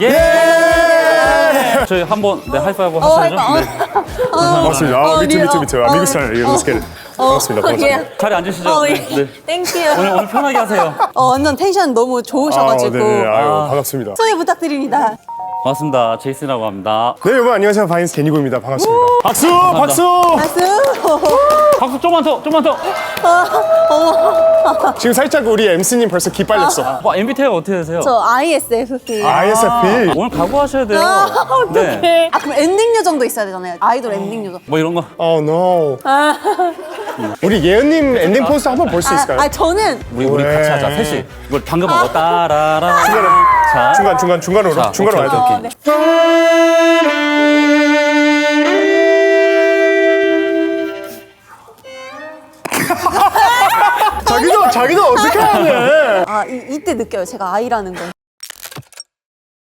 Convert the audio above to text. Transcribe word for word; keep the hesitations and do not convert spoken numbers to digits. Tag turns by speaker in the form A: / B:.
A: 예! 저희 한번 네, 하이파이브
B: 어,
A: 하셔야죠.
B: 하이파이브.
A: 네.
C: 반갑습니다. 아, 미투 미투 미투. 아, 미국 스타일. 예, Let's get it. 반갑습니다. 반갑습니다.
A: 자리 앉으시죠.
B: 어,
A: 네,
B: 예.
A: 네.
B: 땡큐.
A: 오늘, 오늘 편하게 하세요.
B: 어, 완전 텐션 너무 좋으셔가지고.
C: 아, 네네. 아유,
A: 아.
C: 반갑습니다.
B: 소개 부탁드립니다.
A: 반갑습니다. 제이슨이라고 합니다.
C: 네, 여러분 안녕하세요. 바이언스 데니고입니다. 반갑습니다. 박수! 박수!
B: 박수.
A: 박수 좀만 더, 좀만 더.
C: 지금 살짝 우리 엠씨님 벌써 기 빨렸어.
A: 뭐, 엠비티아이가 어떻게 되세요?
B: 저 아이에스에프피.
C: 아이에스에프피.
A: 오늘 각오하셔야 돼요.
B: 아,
A: 네.
B: 어떡해. 아, 그럼 엔딩 요정도 있어야 되잖아요. 아이돌 엔딩 요정.
A: 뭐 이런 거.
C: Oh no. 우리 예은님 엔딩 포스트 한번 볼 수
B: 아,
C: 있을까요?
B: 아, 저는
A: 우리 우리
C: 왜?
A: 같이 하자. 셋이. 이걸 방금 한 거 따라라. 자,
C: 중간 중간 중간으로
A: 자,
C: 중간으로
A: 오케이,
C: 와야
A: 오케이.
C: 돼. 자기도 자기도 어떻게 하네.
B: 아, 이, 이때 느껴요. 제가 아이라는 걸.